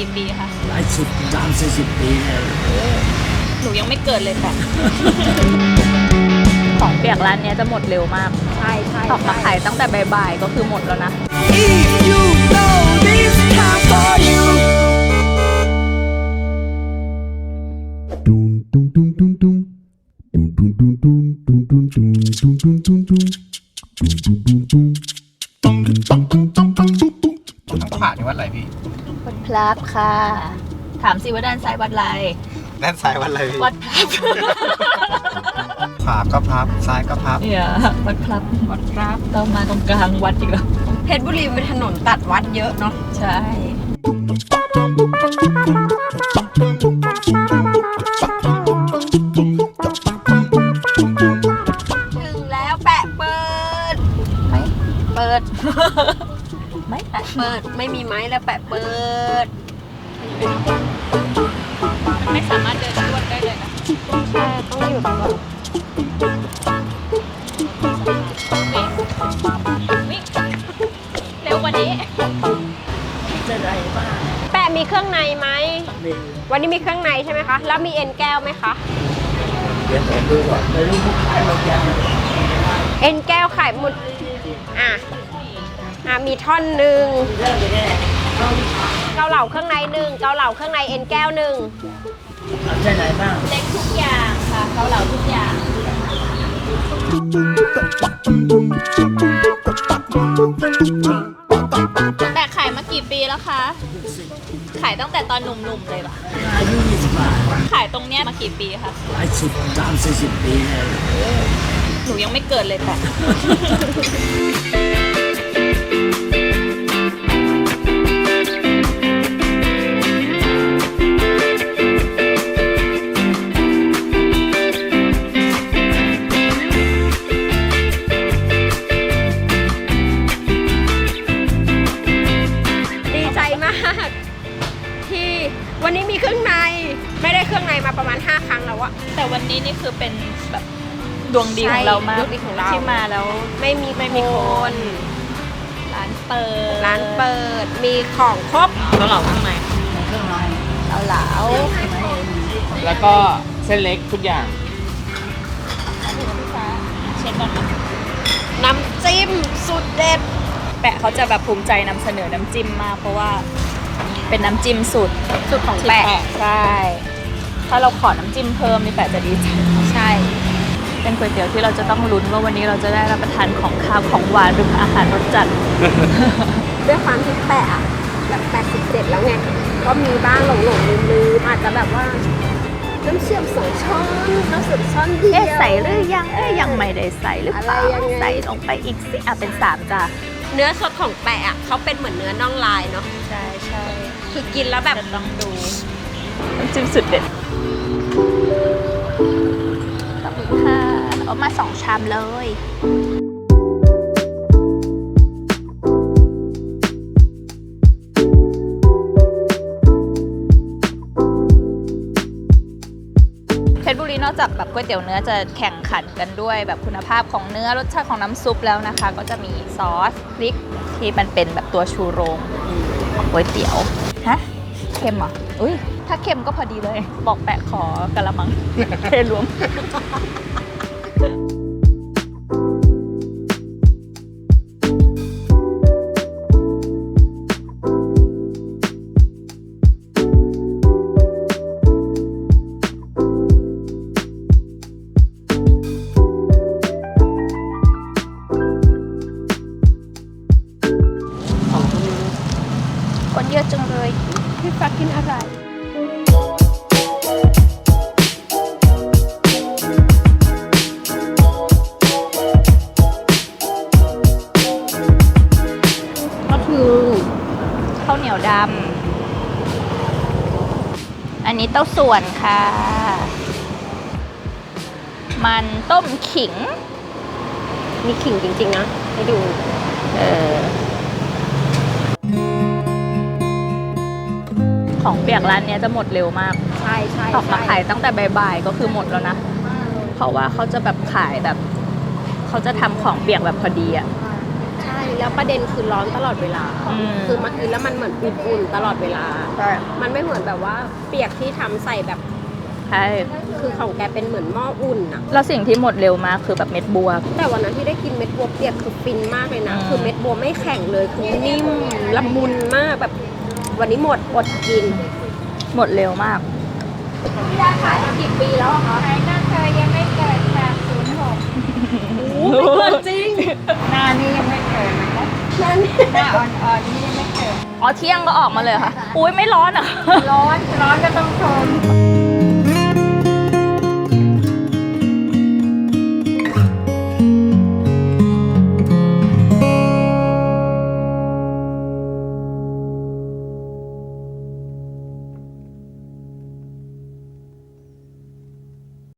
กี่ปีคะหลายสิบ30-40 ปีเลยหนูยังไม่เกิดเลยค่ะ ของเปียกร้านเนี้ยจะหมดเร็วมากใช่ใช่ออกมาขายตั้งแต่บ่ายๆก็คือหมดแล้วนะ If you know this time for you Dum dum dum dum dum dum dum dum dum dum dum dum dum dum dum dum ต้องผ่านที่วัดอะไรพี่วัดพลับค่ะ ถามสิว่าด้านซ้ายวัดอะไรด้านซ้ายวัดอะไรพี่วัดพลับขวาก็พับซ้ายก็พับเนี่ยวัดพลับวัดพลับเรามาตรงกลางวัดอีกแล้วเพชรบุรีเป็นถนนตัดวัดเยอะเนาะใช่ถึงแล้วแปะเปิดไม่เปิด ไม่แปะเปิดไม่มีไม้แล้วแปะเปิดมันไม่สามารถเดินรวดได้เลยนะใช่ต้องหยุดก่อนวิ่งวิ่งเร็วกว่านี้จะได้บ้างแปะมีเครื่องในไหมมีวันนี้มีเครื่องในใช่ไหมคะ แล้วมีเอ็นแก้วไหมคะเดี๋ยวผมดูก่อนไม่รู้ผู้ขายเราจะเอ็นแก้วขายหมดมีท่อนหนึ่งเกาเหลาเครื่องในหนึ่งเกาเหลาเครื่องในเอ็นแก้วหนึ่งเอาใช่ไหนบ้างเล็กทุกอย่างค่ะเกาเหลาทุกอย่าง แต่ขายมากี่ปีแล้วคะ ขายตั้งแต่ตอนหนุ่มๆเลยปะอายุ20 บาทขายตรงเนี้ยมากี่ปีคะหลายสิบ30-40 ปีเลยหนูยังไม่เกิดเลยค่ะดีใจมาก ที่วันนี้มีเครื่องในไม่ได้เครื่องในมาประมาณ5ครั้งแล้วอะแต่วันนี้นี่คือเป็นแบบดวงดีของเรามากใช่ดวงดีของเราที่มาแล้วไม่มีคน ร้านเปิดร้านเปิดมีของครบเกาเหลาข้างในเครื่องในเกาเหลาแล้วก็เส้นเล็กทุกอย่างเช็คก่อนนะน้ำจิ้มสุดเด็ดแปะเขาจะแบบภูมิใจนำเสนอน้ำจิ้มมากเพราะว่าเป็นน้ำจิ้มสูตรสุดของที่แปะใช่ ถ้าเราขอน้ำจิ้มเพิ่มนี่แปะจะดีใจใช่เป็นก๋วยเตี๋ยวที่เราจะต้องลุ้นว่าวันนี้เราจะได้รับประทานของคาวของหวานหรืออาหารรสจัดด้วยความที่แปะอะแบบ87แล้วไงก็มีบ้างหลงลืมอาจจะแบบว่าน้ำเชื่อม2 ช้อนน้ำสุดช้อนเดียวเอ๊ะใส่หรือยังยังไม่ได้ใส่หรือเปล่าอะไรยังไงใส่ลงไปอีกสิเป็น3จ้ะเนื้อสดของแปะอะเขาเป็นเหมือนเนื้อน่องลายเนาะใช่ใช่คือกินแล้วแบบจะต้องดูน้ำจิ้มสุดเด็ดขอบคุณค่ะเอามา2 ชามเลยเพชรบุรีนอกจากแบบก๋วยเตี๋ยวเนื้อจะแข่งขันกันด้วยแบบคุณภาพของเนื้อรสชาติของน้ำซุปแล้วนะคะ ก็จะมีซอสพริกที่มันเป็นแบบตัวชูโรงของก๋วยเตี๋ยวฮะเค็มเหรออุ้ยถ้าเค็มก็พอดีเลย บอกแปะขอกะละมัง เทรวม คนเยอะจังเลยพี่ฟ้ากินอะไร ก็คือข้าวเหนียวดำ อันนี้เต้าส่วนค่ะ มันต้มขิงมีขิงจริงๆนะให้ดูของเปียกร้านเนี้ยจะหมดเร็วมากใช่ใช่ออกมาขายตั้งแต่บ่ายๆก็คือหมดแล้วนะ เพราะว่าเขาจะแบบขายแบบเขาจะทำของเปียกแบบพอดีอะใช่แล้วประเด็นคือร้อนตลอดเวลา คือมากินแล้วมันเหมือนอุ่นๆตลอดเวลาใช่มันไม่เหมือนแบบว่าเปียกที่ทำใส่แบบใช่คือของแกเป็นเหมือนหม้ออุ่นอะแล้วสิ่งที่หมดเร็วมากคือแบบเม็ดบัวแต่วันนั้นที่ได้กินเม็ดบัวเปียกคือฟินมากเลยนะอืมคือเม็ดบัวไม่แข็งเลยคือนิ่มละมุนมากแบบ วันนี้หมดอดกินหมดเร็วมากพี่ดาขายมากี่ปีแล้วคะขายตั้งแต่ยังไม่เกิดค่ะ06โอ้ไม่เกิดจริงหน้านี่ยังไม่เกิดนะคะนั่นหน้าอ่อนๆนี่ยังไม่เกิดอ๋อเที่ยงก็ออกมาเลยเหรอค่ะ อุ้ยไม่ร้อนอ่ะร้อนก็ต้องทน